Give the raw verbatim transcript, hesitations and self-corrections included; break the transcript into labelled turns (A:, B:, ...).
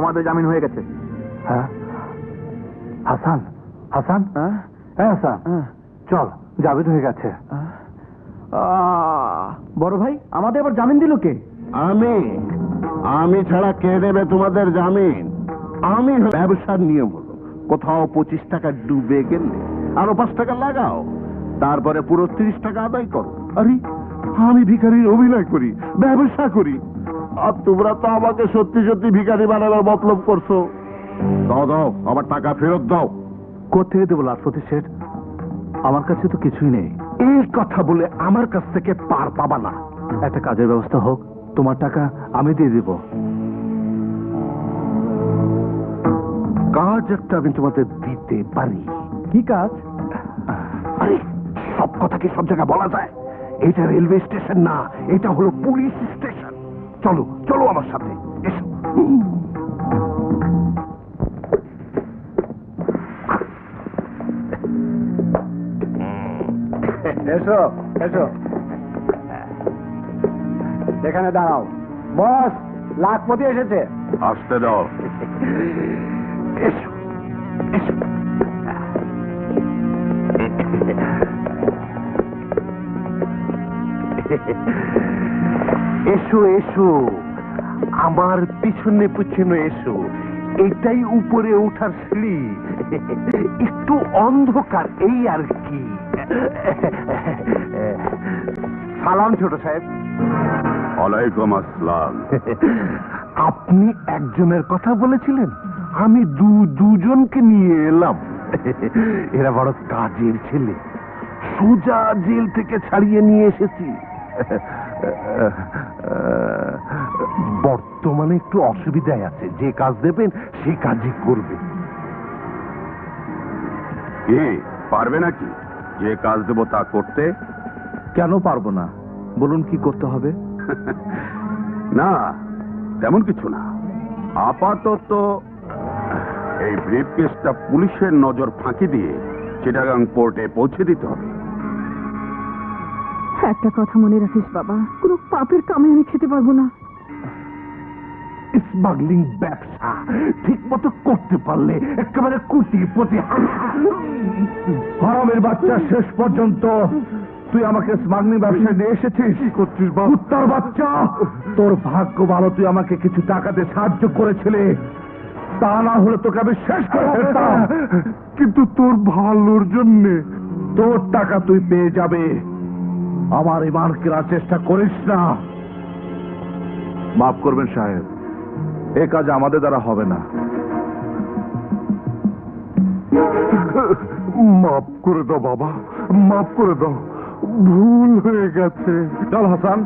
A: তোমাদের জামিন হয়ে গেছে।
B: হ্যাঁ হাসান, হাসান, হ্যাঁ হাসান, চল, জামিন হয়ে গেছে।
A: বড় ভাই, আমাদের আবার জামিন দিল কে?
C: আমি আমি ছাড়া কে দেবে তোমাদের জামিন? আমি ব্যবসার নিয়ম হলো, কোথাও পঁচিশ টাকা ডুবে গেলে আরো পাঁচ টাকা লাগাও, তারপরে পুরো ত্রিশ টাকা আদায় করো। আরে আমি ভিখারির অভিনয় করি, ব্যবসা করি, আর তোমরা তো আমাকে সত্যি সত্যি ভিখারি বানাবার মতলব করছো। দাও দাও, আবার টাকা ফেরত দাও।
B: কোথেকে দেবো লাটপতি শেঠ? আমার কাছে তো কিছুই নেই।
C: এই কথা বলে আমার কাছ থেকে পার পাবা না।
B: একটা কাজের ব্যবস্থা হোক, তোমার টাকা আমি দিয়ে দিব।
C: কাজ একটা আমি তোমাদের দিতে পারি।
B: কি কাজ?
C: আরে সব কথা কি সব জায়গায় বলা যায়? এটা রেলওয়ে স্টেশন না, এটা হলো পুলিশ স্টেশন। চলো চলো আমার সাথে, এসো।
B: এসো এসো, এখানে দাঁড়াও। বস, লাখপতি এসেছে।
C: আসতে দাও। এসো এসো। এসো এসো, আমার পিছনে পিছনে এসো। এটাই উপরে ওঠার সিঁড়ি, একটু অন্ধকার এই আর কি। সালাম ছোট সাহেব।
D: ওয়ালাইকুম আসসালাম।
C: আপনি একজনের কথা বলেছিলেন, আমি দু দুজনকে নিয়ে এলাম। এরা বড় কাজের ছেলে, সোজা জেল থেকে ছাড়িয়ে নিয়ে এসেছি। বর্তমানে একটু অসুবিধায় আছে, যে কাজ দেবেন সেই কাজই করবে।
D: কি পারবে নাকি যে কাজ দেবো তা করতে?
B: কেন পারবো না, বলুন কি করতে হবে?
D: না তেমন কিছু না, আপাতত এই ব্রিফকেসটা পুলিশের নজর ফাঁকি দিয়ে চিটাগাং পোর্টে পৌঁছে দিতে হবে।
E: একটা কথা মনে রাখিস বাবা, কোনো পাপের কামে আমি খেতে পারবো না।
C: স্মাগলিং ব্যবসা ঠিক মতো করতে পারলে একেবারে কোটিপতি।
B: হারামের বাচ্চা, শেষ পর্যন্ত তুই আমাকে স্মাগলিং ব্যবসায় নিয়ে এসেছিস। কুত্তার বাচ্চা, তোর ভাগ্য ভালো তুই আমাকে কিছু টাকাতে সাহায্য করেছিলে, তা না হলে তোকে আমি শেষ করে ফেলতাম।
C: কিন্তু তোর ভালোর জন্য।
B: তোর টাকা তুই পেয়ে যাবে, আমার ইমান কেনার চেষ্টা করিস না। মাফ করবেন সাহেব, এ কাজ আমাদের দ্বারা হবে না।
C: মাফ করে দাও বাবা, মাফ করে দাও, ভুল হয়ে গেছে।
B: চল হাসান।